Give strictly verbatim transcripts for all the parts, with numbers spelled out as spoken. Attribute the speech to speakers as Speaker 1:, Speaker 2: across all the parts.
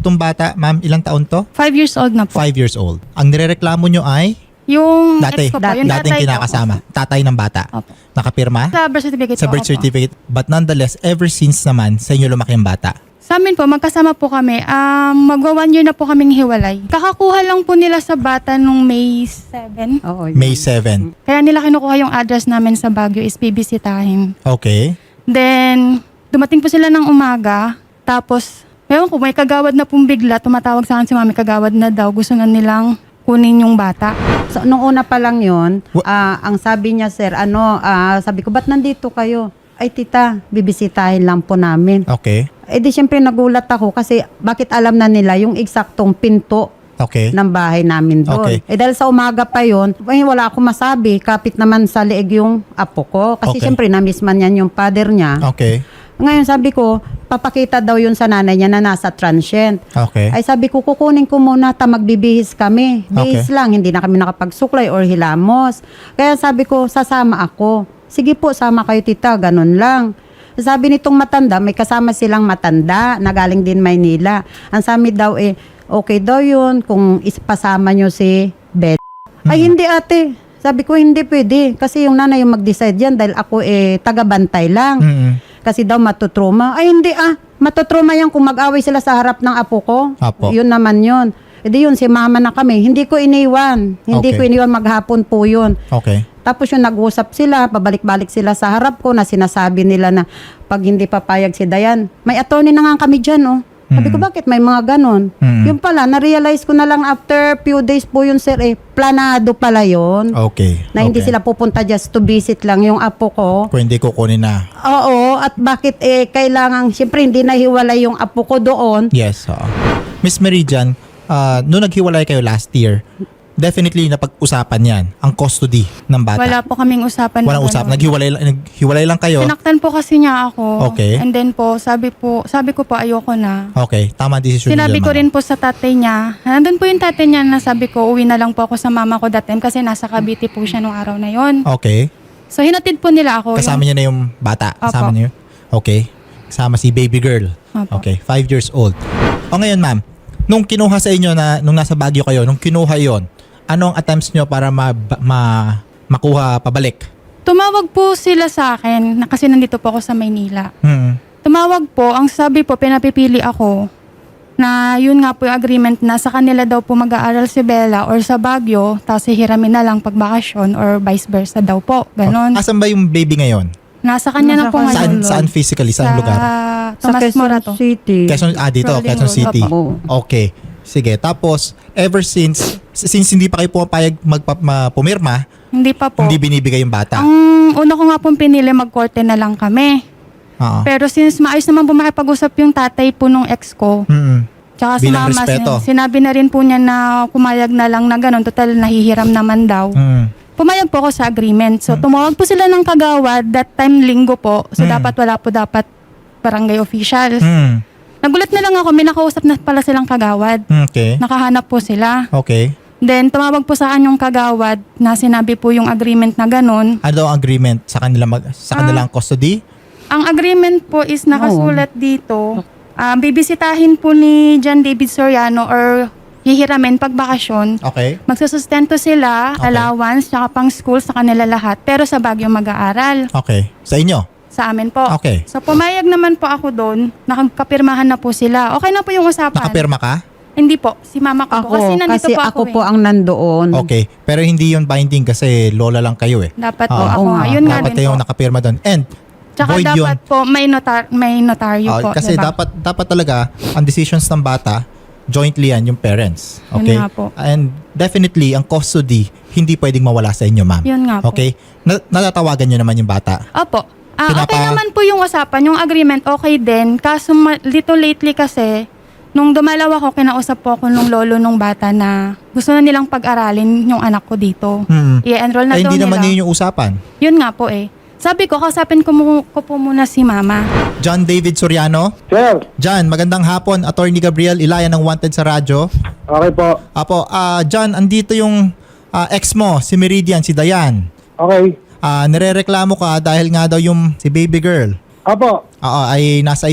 Speaker 1: tong bata, ma'am, ilang taon to?
Speaker 2: Five years old na po.
Speaker 1: Five years old. Ang nirereklamo nyo ay
Speaker 2: Yung
Speaker 1: dati,
Speaker 2: ex ko po, yung
Speaker 1: dating
Speaker 2: tatay ko.
Speaker 1: kinakasama. Tatay ng bata.
Speaker 2: Opo.
Speaker 1: Nakapirma?
Speaker 2: Sa birth certificate
Speaker 1: Sa
Speaker 2: po,
Speaker 1: birth
Speaker 2: opo.
Speaker 1: certificate. But nonetheless, ever since naman, sa inyo lumaki ang bata.
Speaker 2: Sa amin po, magkasama po kami. Um, magwa one year na po kaming hiwalay. Kakakuha lang po nila sa bata nung May seven.
Speaker 3: Oo, yun.
Speaker 1: May seven.
Speaker 2: Kaya nila kinukuha yung address namin sa Baguio is bibisitahin.
Speaker 1: Okay.
Speaker 2: Then, dumating po sila ng umaga. Tapos, ewan ko, may kagawad na pong bigla. Tumatawag sa akin si mami, kagawad na daw. Gusto na nilang kunin yung bata.
Speaker 3: So, nung una pa lang yun,
Speaker 1: Wa-
Speaker 3: ah, ang sabi niya, sir, ano, ah, sabi ko, ba't nandito kayo? Ay, tita, bibisitahin lang po namin.
Speaker 1: Okay.
Speaker 3: Eh di syempre nagulat ako kasi bakit alam na nila yung eksaktong pinto
Speaker 1: Okay.
Speaker 3: ng bahay namin doon.
Speaker 1: Okay.
Speaker 3: Eh dahil sa umaga pa yon, eh, wala akong masabi. Kapit naman sa leeg yung apo ko. Kasi
Speaker 1: Okay.
Speaker 3: syempre na-miss man yan yung father niya.
Speaker 1: Okay.
Speaker 3: Ngayon sabi ko, papakita daw yun sa nanay niya na nasa transient.
Speaker 1: Okay.
Speaker 3: Ay sabi ko, kukunin ko muna ta magbibihis kami. Bihis
Speaker 1: Okay.
Speaker 3: lang, hindi na kami nakapagsuklay or hilamos. Kaya sabi ko, sasama ako. Sige po, sama kayo tita, ganun lang. Sabi nitong matanda, may kasama silang matanda na galing din Maynila. Ang sabi daw eh, okay daw yun kung ispasama nyo si Beth. Ay hindi ate, sabi ko hindi pwede. Kasi yung nanay yung mag-decide yan dahil ako eh taga-bantay lang.
Speaker 1: Mm-mm.
Speaker 3: Kasi daw matutroma. Ay hindi ah, matutroma yan kung mag-away sila sa harap ng apo ko.
Speaker 1: Apo.
Speaker 3: Yun naman yun. E di yun, si mama na kami. Hindi ko iniwan. Hindi
Speaker 1: Okay.
Speaker 3: ko iniwan, maghapon po yun.
Speaker 1: Okay.
Speaker 3: Tapos yung nag-usap sila, pabalik-balik sila sa harap ko na sinasabi nila na pag hindi papayag si Dayan, may attorney na nga kami dyan, oh. Sabi ko,
Speaker 1: Mm.
Speaker 3: bakit may mga ganon?
Speaker 1: Mm.
Speaker 3: Yung pala, na-realize ko na lang after few days po yun, sir, eh, planado pala yun.
Speaker 1: Okay.
Speaker 3: Na hindi
Speaker 1: Okay.
Speaker 3: sila pupunta just to visit lang yung apo ko.
Speaker 1: Kung hindi kukunin na.
Speaker 3: Oo, at bakit eh, kailangan, siyempre hindi nahiwalay yung apo ko doon.
Speaker 1: Yes. Oo. Miss Meridian, uh, nung naghiwalay kayo last year, definitely napag-usapan yan, ang custody ng bata.
Speaker 2: Wala po kaming usapan.
Speaker 1: Walang
Speaker 2: na
Speaker 1: usap.
Speaker 2: ganun.
Speaker 1: Naghiwalay, lang- naghiwalay lang kayo.
Speaker 2: Sinaktan po kasi niya ako.
Speaker 1: Okay.
Speaker 2: And then po, sabi po, sabi ko po ayoko na.
Speaker 1: Okay. Tama decision
Speaker 2: Sinabi
Speaker 1: nila,
Speaker 2: ko
Speaker 1: ma'am.
Speaker 2: rin po sa tatay niya. Nandun po yung tatay niya na sabi ko, uwi na lang po ako sa mama ko that time kasi nasa Cavite po siya nung araw na yon.
Speaker 1: Okay.
Speaker 2: So hinatid po nila ako.
Speaker 1: Kasama
Speaker 2: yung,
Speaker 1: niyo na yung bata. Kasama
Speaker 2: Opo.
Speaker 1: niyo. Okay. Kasama si baby girl.
Speaker 2: Opo.
Speaker 1: Okay. Five years old. O ngayon, ma'am, nung kinuha sa inyo na, nung nasa Baguio kayo, nung kinuha yon, anong attempts nyo para ma, ma, makuha pabalik?
Speaker 2: Tumawag po sila sa akin na kasi nandito po ako sa Maynila.
Speaker 1: Hmm.
Speaker 2: Tumawag po, ang sabi po, pinapipili ako na yun nga po yung agreement na sa kanila daw po mag-aaral si Bella or sa Baguio, tapos hihiramin na lang pagbakasyon or vice versa daw po. Ganon.
Speaker 1: Asan ba yung baby ngayon?
Speaker 2: Nasa kanya na
Speaker 3: Nasa
Speaker 2: po
Speaker 3: kanya.
Speaker 1: Saan,
Speaker 2: ngayon.
Speaker 1: saan physically? Saan
Speaker 2: sa
Speaker 1: lugar?
Speaker 2: Tomas Morato.
Speaker 3: City.
Speaker 1: Quezon, ah, dito,
Speaker 2: Rolling
Speaker 1: Quezon
Speaker 2: Road.
Speaker 1: City.
Speaker 3: Opo.
Speaker 1: Okay. Sige. Tapos, ever since, since hindi pa kayo pumapayag magpa, ma, pumirma,
Speaker 2: Hindi pa po.
Speaker 1: hindi binibigay yung bata.
Speaker 2: Ang una ko nga pong pinili, magkorte na lang kami.
Speaker 1: Oo.
Speaker 2: Pero since maayos naman po makipag-usap yung tatay po nung ex ko,
Speaker 1: Mm-mm.
Speaker 2: tsaka si
Speaker 1: Bilang
Speaker 2: mama,
Speaker 1: respeto.
Speaker 2: sin- sinabi na rin po niya na pumayag na lang na gano'n, total nahihiram naman daw.
Speaker 1: Mm.
Speaker 2: Pumayag po ako sa agreement. So tumawag po sila ng kagawad, that time linggo po. So
Speaker 1: Mm.
Speaker 2: dapat wala po dapat barangay officials.
Speaker 1: Mm.
Speaker 2: Nagulat na lang ako, may nakausap na pala silang kagawad.
Speaker 1: Okay.
Speaker 2: Nakahanap po sila.
Speaker 1: Okay.
Speaker 2: Then tumawag po sa kanyang kagawad na sinabi po yung agreement na gano'n.
Speaker 1: Ano daw ang agreement sa kanila mag, sa
Speaker 2: Ah.
Speaker 1: kanilang custody?
Speaker 2: Ang agreement po is nakasulat dito. Ah, bibisitahin po ni John David Soriano or hihiramin pag bakasyon.
Speaker 1: Okay.
Speaker 2: Magsusustento sila,
Speaker 1: Okay.
Speaker 2: allowance, tsaka pang school sa kanila lahat. Pero sa Baguio mag-aaral.
Speaker 1: Okay. Sa inyo?
Speaker 2: Sa amin po.
Speaker 1: Okay.
Speaker 2: So pumayag naman po ako doon. Nakapirmahan na po sila. Okay na po yung usapan.
Speaker 1: Nakapirma ka?
Speaker 2: Hindi po. Si mama ko
Speaker 3: Ako,
Speaker 2: po. Kasi nandito
Speaker 3: kasi
Speaker 2: po
Speaker 3: ako,
Speaker 2: ako,
Speaker 3: po
Speaker 2: eh.
Speaker 3: ang nandoon.
Speaker 1: Okay. Pero hindi yun binding kasi lola lang kayo eh.
Speaker 2: Dapat po
Speaker 1: Ah,
Speaker 2: ako.
Speaker 3: oo
Speaker 2: nga.
Speaker 3: nga.
Speaker 2: Yun nga
Speaker 1: Dapat
Speaker 2: din
Speaker 1: yung
Speaker 2: po.
Speaker 1: nakapirma doon. And
Speaker 2: Tsaka
Speaker 1: void
Speaker 2: dapat
Speaker 1: yun.
Speaker 2: po may, notar, may notaryo
Speaker 1: Ah,
Speaker 2: po.
Speaker 1: kasi
Speaker 2: diba?
Speaker 1: dapat dapat talaga ang decisions ng bata jointly yan yung parents.
Speaker 2: Yun
Speaker 1: Okay?
Speaker 2: nga po.
Speaker 1: And definitely ang custody hindi pwedeng mawala sa inyo, ma'am.
Speaker 2: Yun nga po.
Speaker 1: Okay? Na- natatawagan nyo naman yung bata.
Speaker 2: Opo. Ah,
Speaker 1: Pinapa-
Speaker 2: okay naman po yung usapan, yung agreement okay din. Kaso ma- little lately kasi, nung dumalaw ako, kinausap po ako nung lolo nung bata na gusto na nilang pag-aralin yung anak ko dito.
Speaker 1: Hmm.
Speaker 2: I-enroll na
Speaker 1: Ay,
Speaker 2: daw
Speaker 1: hindi
Speaker 2: nila.
Speaker 1: naman yun yung usapan.
Speaker 2: Yun nga po eh. Sabi ko, kasapin ko, mu- ko po muna si mama.
Speaker 1: John David Soriano.
Speaker 4: Sir,
Speaker 1: John, magandang hapon. Attorney Gabriel Ilaya ng Wanted sa radyo.
Speaker 4: okay po.
Speaker 1: Apo, ah John, andito yung ah, ex mo, si Meridian, si Dayan.
Speaker 4: Okay.
Speaker 1: Ah, nirereklamo ka dahil nga daw yung si baby girl
Speaker 4: Apo,
Speaker 1: Oo, ay nasa iyo.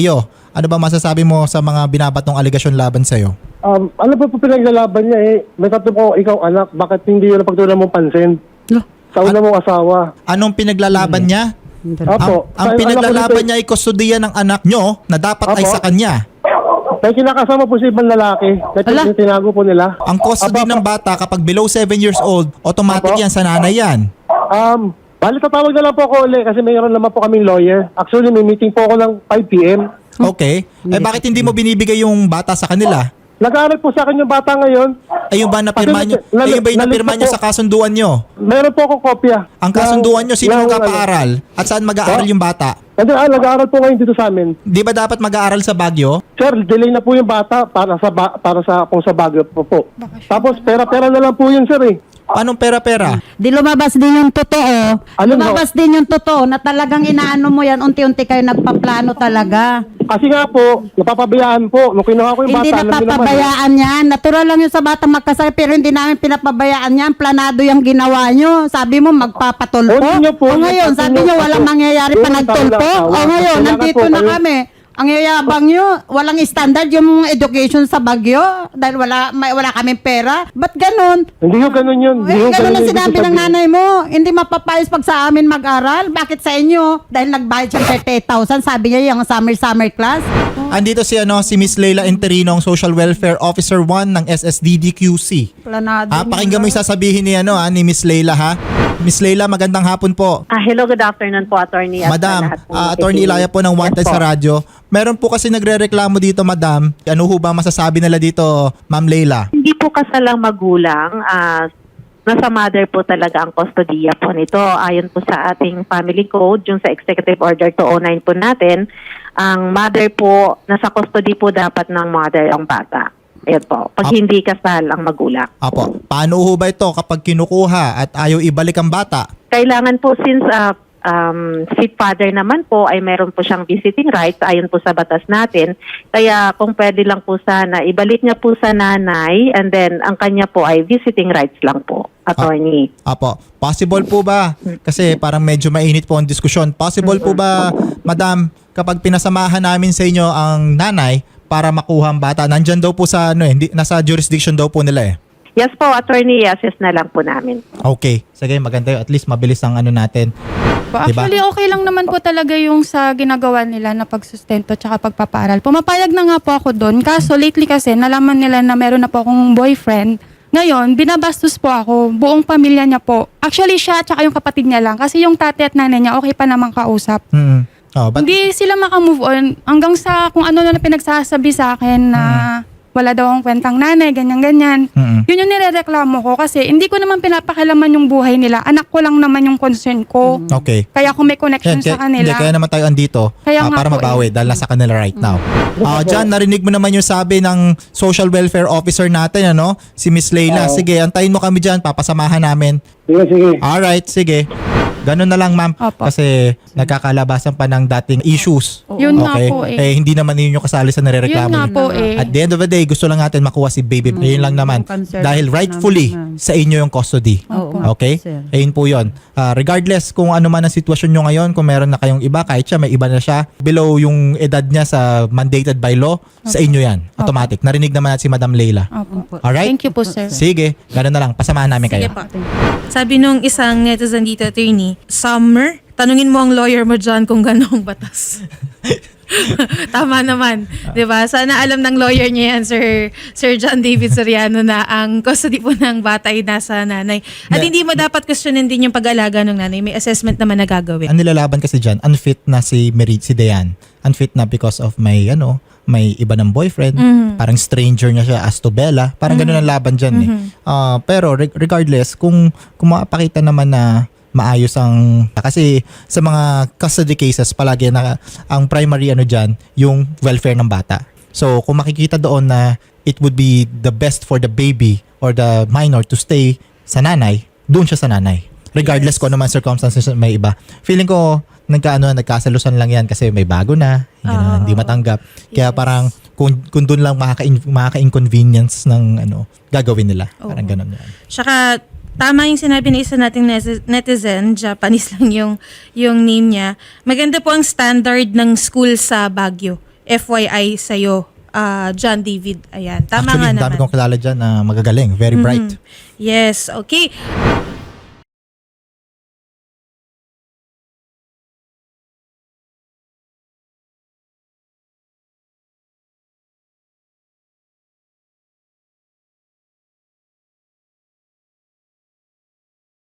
Speaker 1: Ano ba masasabi mo sa mga binabatong aligasyon laban sa'yo?
Speaker 4: Um, ano ba po pinaglalaban niya eh? May tatlo po ikaw anak, bakit hindi yun ang pagtunan mong pansin?
Speaker 3: Lo,
Speaker 4: Sa una mong asawa.
Speaker 1: Anong pinaglalaban niya?
Speaker 4: Opo.
Speaker 1: Ang, ang
Speaker 4: Sa-
Speaker 1: pinaglalaban
Speaker 4: anak ko
Speaker 1: niya ay kustodiya ng anak nyo na dapat ay
Speaker 4: Opo.
Speaker 1: sa kanya.
Speaker 4: May kinakasama po si ibang lalaki. Kahit
Speaker 3: Ala.
Speaker 4: yung tinago po nila.
Speaker 1: Ang custody
Speaker 4: Opo,
Speaker 1: ng bata kapag below seven years old, automatic
Speaker 4: Opo.
Speaker 1: yan sa nanay yan.
Speaker 4: Um, bali tatawag na lang po ako ulit kasi mayroon naman po kaming lawyer. Actually, may meeting po ako ng five p.m.
Speaker 1: Okay. Eh bakit hindi mo binibigay yung bata sa kanila?
Speaker 4: Nag-aaral po sa akin yung bata ngayon.
Speaker 1: Ayun ba napirma nyo?
Speaker 4: Kasi nal-
Speaker 1: Ayun ba yung napirma
Speaker 4: nalito
Speaker 1: nyo
Speaker 4: po.
Speaker 1: sa kasunduan nyo?
Speaker 4: Meron po ako kopya.
Speaker 1: Ang kasunduan nyo, sino
Speaker 4: ng-
Speaker 1: magpapaaral? At saan mag-aaral
Speaker 4: Po?
Speaker 1: yung bata?
Speaker 4: Nag- ah, nag-aaral po ngayon dito sa amin.
Speaker 1: Di ba dapat mag-aaral sa Baguio?
Speaker 4: Sir, delay na po yung bata para sa ba- para sa kung sa Baguio po po.
Speaker 2: Bakasyon
Speaker 4: Tapos pera-pera na lang po yun, sir eh.
Speaker 1: Anong pera-pera?
Speaker 3: Di lumabas din yung totoo.
Speaker 4: Ano
Speaker 3: lumabas din yung totoo na talagang inaano mo yan, unti-unti kayo nagpaplano talaga.
Speaker 4: Kasi nga po, napapabayaan po. Nung kinuha ko yung
Speaker 3: Hindi
Speaker 4: bata, alam niyo naman,
Speaker 3: napapabayaan yan. Natural lang yung sa batang magkasakit pero hindi namin pinapabayaan yan. Planado yung ginawa nyo. Sabi mo magpapatulpo.
Speaker 4: O, hindi nyo po.
Speaker 3: O ngayon,
Speaker 4: Hindi
Speaker 3: sabi
Speaker 4: nyo
Speaker 3: nyo
Speaker 4: po.
Speaker 3: walang mangyayari
Speaker 4: Yung
Speaker 3: pa nagtulpo.
Speaker 4: tao na
Speaker 3: O
Speaker 4: asawa.
Speaker 3: ngayon,
Speaker 4: Kailangan
Speaker 3: nandito
Speaker 4: po
Speaker 3: na
Speaker 4: kayo-
Speaker 3: kami. Ang yayabang nyo, walang standard yung education sa Bagyo dahil wala may, wala kaming pera. Ba't ganun?
Speaker 4: Hindi yung ganun yun. Hindi
Speaker 3: Eh,
Speaker 4: yung
Speaker 3: ganun ang
Speaker 4: yung
Speaker 3: sinabi
Speaker 4: ibig
Speaker 3: ng
Speaker 4: sabihin.
Speaker 3: nanay mo. Hindi mapapayos pag sa amin mag-aral. Bakit sa inyo? Dahil nagbayad siya thirty-eight thousand. Sabi niya yung summer-summer class.
Speaker 1: Andito si ano si Miss Leila Enterino, ang Social Welfare Officer one ng S S D D Q C.
Speaker 3: Planado.
Speaker 1: Ah, pakinggan mo yung sasabihin ni ano ah, ni Miss Leila ha. Miss Leila, magandang hapon po.
Speaker 5: Ah, hello, good afternoon po, attorney. at sa
Speaker 1: Madam,
Speaker 5: lahat po
Speaker 1: ah,
Speaker 5: ng
Speaker 1: Attorney
Speaker 5: nakikinig.
Speaker 1: Ilaya po ng Wanted
Speaker 5: Yes
Speaker 1: sa
Speaker 5: po.
Speaker 1: radyo. Meron po kasi nagrereklamo dito, Madam. Ano ho ba masasabi nila dito, Ma'am Leila?
Speaker 5: Hindi po kasalang magulang, ah, nasa mother po talaga ang kustodiya po nito. Ayon po sa ating family code, yung sa Executive Order two oh nine po natin, ang mother po, nasa custody po dapat ng mother ang bata. Ayun po, pag
Speaker 1: Ah.
Speaker 5: hindi kasal ang magulang.
Speaker 1: Apo, paano ho ba ito kapag kinukuha at ayaw ibalik ang bata?
Speaker 5: Kailangan po since uh, um, si father naman po ay meron po siyang visiting rights ayon po sa batas natin. Kaya kung pwede lang po sana, ibalik niya po sa nanay and then ang kanya po ay visiting rights lang po, attorney.
Speaker 1: Apo, possible po ba? Kasi parang medyo mainit po ang diskusyon. Possible po ba, Madam, kapag pinasamahan namin sa inyo ang nanay para makuha ang bata, nandyan daw po sa, ano eh, hindi- nasa jurisdiction daw po nila eh.
Speaker 5: Yes po, attorney, assess na lang po namin.
Speaker 1: Okay, sige, maganda yun. At least mabilis ang ano natin.
Speaker 2: Po,
Speaker 1: Diba?
Speaker 2: actually, okay lang naman po talaga yung sa ginagawa nila na pagsustento tsaka pagpapaaral. Pumapayag na nga po ako doon. Kaso lately kasi, nalaman nila na meron na po akong boyfriend. Ngayon, binabastos po ako. Buong pamilya niya po. Actually, siya tsaka yung kapatid niya lang. Kasi yung tatay at nanay niya, okay pa naman kausap.
Speaker 1: Hmm. Oh, but,
Speaker 2: Hindi sila makamove on hanggang sa kung ano na pinagsasabi sa akin na wala daw akong kwentang nanay, ganyan-ganyan.
Speaker 1: Mm-mm.
Speaker 2: Yun yung nirereklamo ko kasi hindi ko naman pinapakilaman yung buhay nila. Anak ko lang naman yung concern ko.
Speaker 1: okay.
Speaker 2: Kaya kung may connection
Speaker 1: Yan, kaya,
Speaker 2: sa kanila.
Speaker 1: hindi, kaya naman tayo andito
Speaker 2: Kaya
Speaker 1: ah,
Speaker 2: nga
Speaker 1: para
Speaker 2: po
Speaker 1: mabawi
Speaker 2: eh.
Speaker 1: dahil nasa kanila right now. Ah, John, narinig mo naman yung sabi ng social welfare officer natin, ano? Si Miss Leila.
Speaker 4: Oo.
Speaker 1: Sige, antayin mo kami dyan. Papasamahan namin.
Speaker 4: Sige, sige.
Speaker 1: Alright, sige. Ganun na lang, ma'am.
Speaker 2: Opo.
Speaker 1: Kasi nagkakalabasan pa ng dating issues.
Speaker 2: Yun nga
Speaker 1: Okay?
Speaker 2: po eh.
Speaker 1: Eh, hindi naman yun yung kasali sa
Speaker 2: Yun
Speaker 1: nirereklamo.
Speaker 2: nga
Speaker 1: niyo.
Speaker 2: po eh.
Speaker 1: At the end of the day, gusto lang natin makuha si baby. Yun lang naman.
Speaker 3: concern
Speaker 1: Dahil
Speaker 3: namin,
Speaker 1: rightfully
Speaker 3: ma'am.
Speaker 1: sa inyo yung custody.
Speaker 3: Oo.
Speaker 1: Okay?
Speaker 3: Sir.
Speaker 1: Ayun po yun. Ah, regardless kung ano man ang sitwasyon nyo ngayon, kung meron na kayong iba, kahit siya may iba na siya, below yung edad niya sa mandated by law, sa inyo yan. Automatic. Narinig naman natin si Madam Leila.
Speaker 2: Opo.
Speaker 1: Alright?
Speaker 2: Thank you po, sir.
Speaker 1: Sige, ganun na lang. Pasamahan namin kayo.
Speaker 6: Sige po. Sabi nung isang netizen dito, attorney, summer, tanungin mo ang lawyer mo dyan kung gano'ng batas. Tama naman. 'Di ba? Sana alam ng lawyer niya yan, Sir, Sir John David Soriano, na ang custody po ng bata ay nasa nanay. At
Speaker 1: Yeah.
Speaker 6: hindi mo dapat questionin din yung pag-alaga ng nanay. May assessment naman na gagawin.
Speaker 1: Ang nilalaban kasi dyan, unfit na si Mary, si Dayan. Unfit na because of may, ano, may iba ng boyfriend. Parang stranger niya siya as to Bella. Parang ganun ang laban dyan eh. Ah, pero re- regardless, kung, kung makapakita naman na maayos ang kasi sa mga custody cases palagi na ang primary ano diyan yung welfare ng bata. So kung makikita doon na it would be the best for the baby or the minor to stay sa nanay, doon siya sa nanay. Regardless kung ano man circumstances may iba. Feeling ko nagkaano nagkasalusan lang yan kasi may bago na, hindi, na,
Speaker 6: Oo.
Speaker 1: hindi matanggap. Kaya
Speaker 6: Yes.
Speaker 1: parang kung kung doon lang makaka makaka-inconvenience ng ano gagawin nila. Parang
Speaker 6: Oo.
Speaker 1: ganun yan.
Speaker 6: Tsaka, tama yung sinabi ng isa nating neti- netizen, Japanese lang yung, yung name niya. Maganda po ang standard ng school sa Baguio. F Y I sa'yo, ah, John David. Ayan, tama
Speaker 1: Actually,
Speaker 6: nga
Speaker 1: ang dami
Speaker 6: naman.
Speaker 1: kong kilala dyan na magagaling, very bright.
Speaker 6: Yes, okay.